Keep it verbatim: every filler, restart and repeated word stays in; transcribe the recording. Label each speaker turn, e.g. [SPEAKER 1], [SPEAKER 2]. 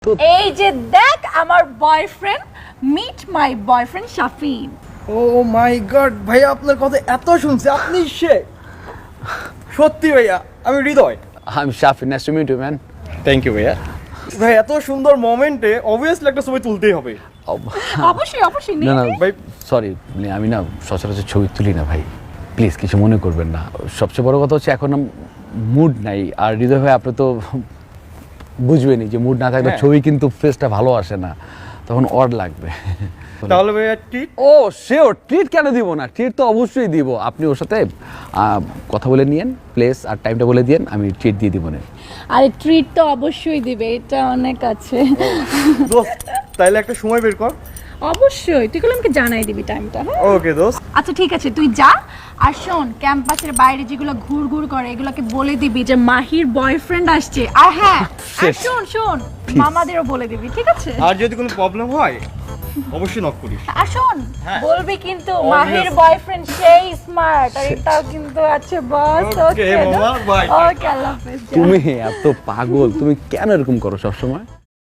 [SPEAKER 1] এই যে দেখ আমার boyfriend, meet my boyfriend Shafin.
[SPEAKER 2] Oh my god ভাইয়া, আপনার কথা এত শুনছি, আপনি সে সত্যি ভাইয়া, আমি Hridoy.
[SPEAKER 3] I'm Shafi. Nice to meet you, man.
[SPEAKER 2] Thank you ভাইয়া। ভাই এত সুন্দর মোমেন্টে অবভিয়াসলি একটা ছবি তুলতেই হবে।
[SPEAKER 1] অবশ্যই অবশ্যই
[SPEAKER 3] না না
[SPEAKER 1] নিয়ে
[SPEAKER 2] ভাই
[SPEAKER 3] সরি, মানে আমি না সচরাচর ছবি তুলি না ভাই, প্লিজ কিছু মনে করবেন না। সবচেয়ে বড় কথা হচ্ছে এখন মুড নাই, আর হৃদয় ভাই আপনি তো বুঝবেনই যে মুড না থাকলে
[SPEAKER 2] হ্যাঁ।
[SPEAKER 3] ছবি কিন্তু ফেসটা ভালো আসে না, তখন অড লাগবে।
[SPEAKER 2] তাহলে ভাইয়া ট্রিট।
[SPEAKER 3] ও শিওর, ট্রিট কেন দিব না, ট্রিট তো অবশ্যই দিব। আপনি ওর সাথে আহ, কথা বলে নিয়েন, প্লেস আর টাইমটা বলে দিয়েন, আমি ট্রিট দিয়ে দিব না।
[SPEAKER 1] আরে ট্রিট তো অবশ্যই দিবে, এটা অনেক আছে।
[SPEAKER 2] দোস্ত তাইলে একটা সময় বের কর।
[SPEAKER 1] অবশ্যই তুই কলমকে জানাই দিবি টাইমটা। হ্যাঁ
[SPEAKER 2] ওকে দোস্ত।
[SPEAKER 1] আচ্ছা ঠিক আছে, তুই যা। আর শোন, ক্যাম্পাসের বাইরে যেগুলো ঘুর ঘুর করে এগুলোকে বলে দিবি যে মাহির বয়ফ্রেন্ড আসছে। আর হ্যাঁ, আর শোন শোন মামাদেরও বলে দিবি, ঠিক আছে?
[SPEAKER 2] আর যদি কোনো প্রবলেম হয় অবশ্যই নক করিস।
[SPEAKER 1] আর শোন
[SPEAKER 2] হ্যাঁ।
[SPEAKER 1] বলবি কিন্তু
[SPEAKER 2] Obvious.
[SPEAKER 1] মাহির বয়ফ্রেন্ড সেই স্মার্ট, আর এটাও কিন্তু আছে বস।
[SPEAKER 2] Okay, মামা, bye.
[SPEAKER 1] ওকে, আল্লাহ হাফেজ।
[SPEAKER 3] তুমি এত পাগল, তুমি কেন এরকম করো সবসময়?